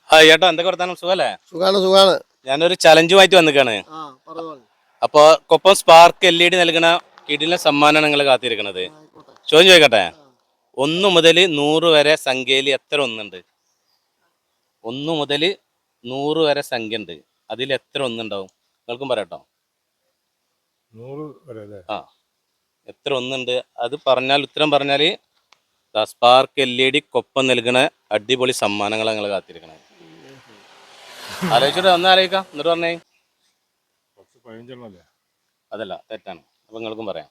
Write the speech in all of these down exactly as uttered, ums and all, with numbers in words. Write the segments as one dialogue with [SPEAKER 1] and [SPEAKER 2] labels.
[SPEAKER 1] ആ ചേട്ടാ എന്തൊക്കെ വർത്താനം സുഖല്ലേ?
[SPEAKER 2] സുഖാണ് സുഖാണ്.
[SPEAKER 1] ഞാനൊരു ചലഞ്ചുമായിട്ട് വന്നിക്കാണ്.
[SPEAKER 2] ആ പറഞ്ഞോളൂ.
[SPEAKER 1] അപ്പൊ Koppam Spark L E D നൽകുന്ന കിടിലൻ സമ്മാനമാണ് നിങ്ങൾ കാത്തിരിക്കുന്നത്.
[SPEAKER 2] ആയിക്കോട്ടെ.
[SPEAKER 1] ചോദ്യം ചോദിക്കട്ടെ, ഒന്ന് മുതൽ നൂറ് വരെ സംഖ്യയിൽ എത്ര ഒന്നുണ്ട്? ഒന്ന് മുതൽ നൂറ് വരെ സംഖ്യ ഉണ്ട്, അതിൽ എത്ര ഒന്നുണ്ടാവും? നിങ്ങൾക്കും പറയട്ടോ.
[SPEAKER 3] നൂറ് വരെ അല്ലേ?
[SPEAKER 1] ആ എത്ര ഒന്നുണ്ട് അത് പറഞ്ഞാൽ, ഉത്തരം പറഞ്ഞാൽ Spark L E D Koppam നൽകുന്ന അടിപൊളി സമ്മാനങ്ങളാണ് നിങ്ങൾ കാത്തിരിക്കണത്. ആലോചിച്ചിട്ട് ഒന്ന് ആലോചിക്കാം, എന്നിട്ട് പറഞ്ഞേ.
[SPEAKER 3] പത്ത് പതിനഞ്ചെണ്ണം അല്ലേ?
[SPEAKER 1] അതല്ല, തെറ്റാണ്. അപ്പം നിങ്ങൾക്കും പറയാം.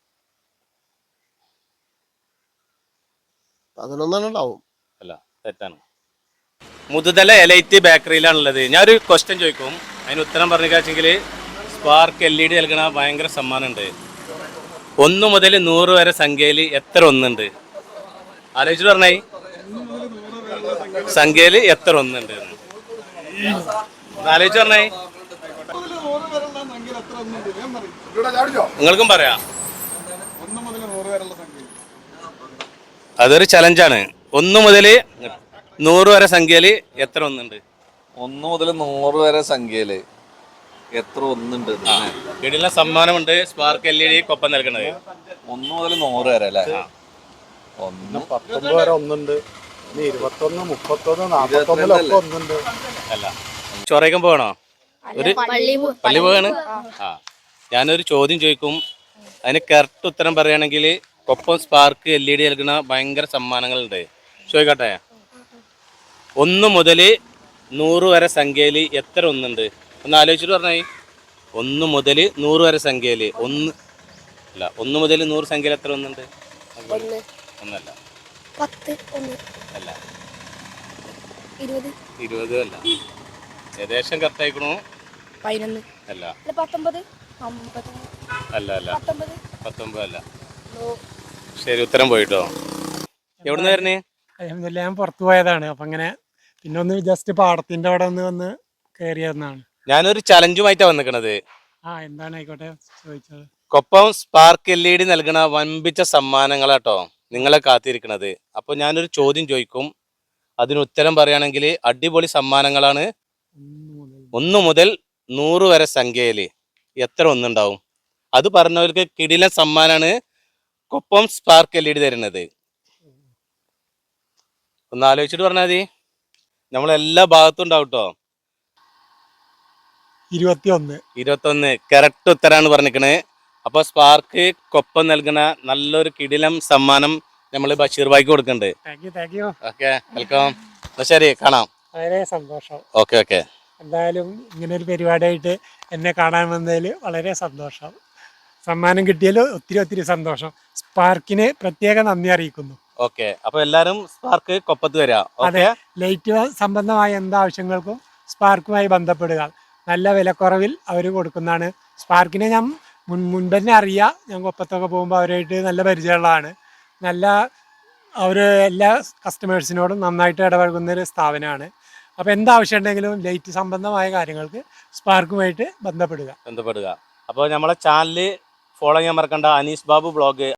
[SPEAKER 2] പതിനൊന്നെണ്ണം ഉണ്ടാവും.
[SPEAKER 1] അല്ല, തെറ്റാണ്. മുതുതല എലൈറ്റ് ബേക്കറിയിലാണുള്ളത്. ഞാനൊരു ക്വസ്റ്റ്യൻ ചോദിക്കും, അതിന് ഉത്തരം പറഞ്ഞെങ്കിൽ സ്പാർക്ക് എൽ ഇ ഡി നൽകണ ഭയങ്കര സമ്മാനമുണ്ട്. ഒന്ന് മുതൽ നൂറ് വരെ സംഖ്യയിൽ എത്ര ഒന്നുണ്ട്? ആലോചിച്ചിട്ട് പറഞ്ഞേ, സംഖ്യയിൽ എത്ര ഒന്നുണ്ട് ആലോചിച്ച് പറഞ്ഞേ. നിങ്ങൾക്കും പറയാം. അതൊരു ചലഞ്ചാണ്. ഒന്ന് മുതൽ നൂറ് വരെ സംഖ്യയിൽ എത്ര ഒന്നുണ്ട്?
[SPEAKER 4] ഒന്ന് മുതൽ നൂറ് വരെ സംഖ്യയില് എത്ര ഒന്നുണ്ട്?
[SPEAKER 1] വീടിലെ സമ്മാനമുണ്ട് Spark L E D Koppam നൽകുന്നത്.
[SPEAKER 4] ഒന്ന് മുതൽ നൂറ് വരെ അല്ലേ?
[SPEAKER 3] ഒന്ന് പത്തൊമ്പത് വരെ ഒന്നുണ്ട്, ഇരുപത്തൊന്ന് മുപ്പത്തൊന്ന് നാപ്പത്തൊന്നിലൊക്കെ ഒന്നുണ്ട്.
[SPEAKER 1] അല്ല, ചൊറയ്ക്കാൻ പോകണോ? ഒരു പള്ളി പോവാണ്. ആ ഞാനൊരു ചോദ്യം ചോദിക്കും, അതിന് കറക്റ്റ് ഉത്തരം പറയുകയാണെങ്കിൽ Koppam Spark L E D നൽകുന്ന ഭയങ്കര സമ്മാനങ്ങളുണ്ട്. ചോദിക്കട്ടെ, ഒന്ന് മുതൽ നൂറ് വരെ സംഖ്യയിൽ എത്ര ഒന്നുണ്ട്? ഒന്ന് ആലോചിച്ചിട്ട് പറഞ്ഞേ. ഒന്ന് മുതൽ നൂറ് വരെ സംഖ്യയിൽ ഒന്ന് അല്ല, ഒന്ന് മുതൽ നൂറ് സംഖ്യയിൽ എത്ര ഒന്നുണ്ട്? ഒന്നല്ല, അല്ല, ഇരുപത് അല്ല, ഏകദേശം കറക്റ്റ് ആയിക്കണു. അല്ല അല്ല അല്ല പത്തൊമ്പത് അല്ല. ശരി, ഉത്തരം പോയിട്ടോ. എവിടുന്ന് വരുന്നേ?
[SPEAKER 5] ഞാൻ പുറത്തു പോയതാണ്. അപ്പൊ അങ്ങനെ പിന്നെ ഒന്ന് ജസ്റ്റ് പാടത്തിന്റെ അവിടെ ഒന്ന് വന്ന് കയറിയതെന്നാണ്.
[SPEAKER 1] ഞാനൊരു ചലഞ്ചുമായിട്ടാണ് വന്നിക്കണത്.
[SPEAKER 5] ആ എന്താണ്, ആയിക്കോട്ടെ, ചോദിച്ചത്.
[SPEAKER 1] Koppam Spark L E D നൽകണ വൻപിച്ച സമ്മാനങ്ങളാട്ടോ നിങ്ങളെ കാത്തിരിക്കണത്. അപ്പോൾ ഞാനൊരു ചോദ്യം ചോദിക്കും, അതിന് ഉത്തരം പറയുകയാണെങ്കിൽ അടിപൊളി സമ്മാനങ്ങളാണ്. ഒന്ന് മുതൽ നൂറ് വരെ സംഖ്യയിൽ എത്ര ഒന്നുണ്ടാവും? അത് പറഞ്ഞവർക്ക് കിടിലൻ സമ്മാനാണ് Koppam Spark L E D തരുന്നത്. ഒന്ന് ആലോചിച്ചിട്ട് പറഞ്ഞാൽ മതി. നമ്മളെല്ലാ ഭാഗത്തും ഉണ്ടാവും കേട്ടോ.
[SPEAKER 5] ഇരുപത്തിയൊന്ന്
[SPEAKER 1] ഇരുപത്തൊന്ന് കറക്റ്റ് ഉത്തരാണ് പറഞ്ഞിരിക്കണേ. അപ്പോൾ സ്പാർക്ക് കൊപ്പം നൽകുന്ന നല്ലൊരു കിടിലം സമ്മാനം നമ്മൾ ബഷീർ ഭായിക്ക് കൊടുക്കുന്നുണ്ട്. Okay, welcome. ശരി, കാണാം.
[SPEAKER 5] വളരെ സന്തോഷം.
[SPEAKER 1] Okay okay.
[SPEAKER 5] എന്തായാലും ഇങ്ങനെ ഒരു പരിപാടിയായിട്ട് എന്നെ കാണാൻ വന്നതിൽ വളരെ സന്തോഷം. സമ്മാനം കിട്ടിയതിൽ ഒത്തിരി ഒത്തിരി സന്തോഷം. സ്പാർക്കിന് പ്രത്യേക നന്ദി അറിയിക്കുന്നു.
[SPEAKER 1] ഓക്കെ, അപ്പോൾ എല്ലാവരും സ്പാർക്ക് കൊപ്പത്ത് വരാം.
[SPEAKER 5] അതെ, ലൈറ്റ് സംബന്ധമായ എന്താവശ്യങ്ങൾക്കും സ്പാർക്കുമായി ബന്ധപ്പെടുക. നല്ല വിലക്കുറവിൽ അവർ കൊടുക്കുന്നതാണ്. സ്പാർക്കിനെ ഞാൻ മുൻ മുൻപ് തന്നെ അറിയാം. ഞാൻ കൊപ്പത്തൊക്കെ പോകുമ്പോൾ അവരായിട്ട് നല്ല പരിചയമുള്ളതാണ്. നല്ല അവർ എല്ലാ കസ്റ്റമേഴ്സിനോടും നന്നായിട്ട് ഇടപഴകുന്ന ഒരു സ്ഥാപനമാണ്. അപ്പോൾ എന്താവശ്യം ഉണ്ടെങ്കിലും ലൈറ്റ് സംബന്ധമായ കാര്യങ്ങൾക്ക് സ്പാർക്കുമായിട്ട് ബന്ധപ്പെടുക
[SPEAKER 1] ബന്ധപ്പെടുക അപ്പോൾ നമ്മളെ ചാനൽ ഫോളോ ചെയ്യാൻ മറക്കണ്ട. അനീസ് ബാബു ബ്ലോഗ്